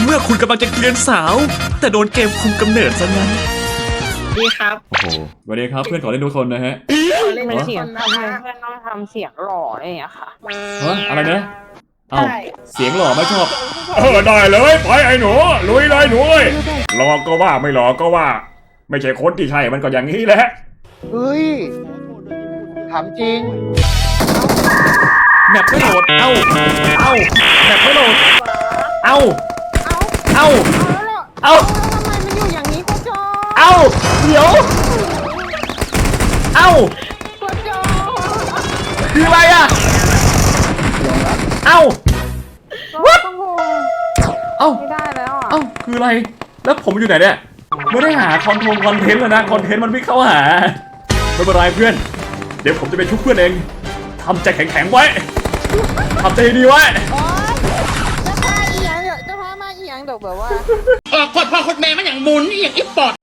มื่อคุณกำลังจะเกลียนสาว แต่โดนเกมคุมกำเนิดซะงั้นดีครับโอ้โหสวัสดีครับเพื่อนขอเล่นทุกคนนะฮะเล่นเป็นทุกเสียคงนทำนะไมคะเพื่อนต้องทำเสียงหล่ออะไรอย่างเงี้ยค่ะฮะอะไรนะเอ้าใช่เสียงหล่อไม่ชอบได้เลยไปไอ้หนูลุยเลยหนูเอ้ยรอก็ว่าไม่รอก็ว่า ไม่ใช่คนที่ใช่มันก็อย่างนี้แหละเฮ้ย ถามจริงแมปไม่โหลดเอ้าแมปไม่โหลดเอ้าเอาเอ้าแล้วทำไมมันอยู่อย่างนี้กูจอเอ้าเดี๋ยวเอ้ากูจอคืออะไรอ่ะเอ้าวัดงงเอ้าไม่ได้แล้วอ่ะเอ้าคืออะไรแล้วผมอยู่ไหนเนี่ยไม่ได้หาคอนเทนต์แล้วนะคอนเทนต์มันไม่เข้าหาไม่เป็นไรเพื่อนเดี๋ยวผมจะไปชุบเพื่อนเองทำใจแข็งๆไว้ทำใจดีไว้โอ๊ยจะพาอีหยังเดี๋ยวจะพามาอีหยังเดี๋ยวแบบว่ากดพ่อคดแม่มันอย่างหมุนอย่างอีปอด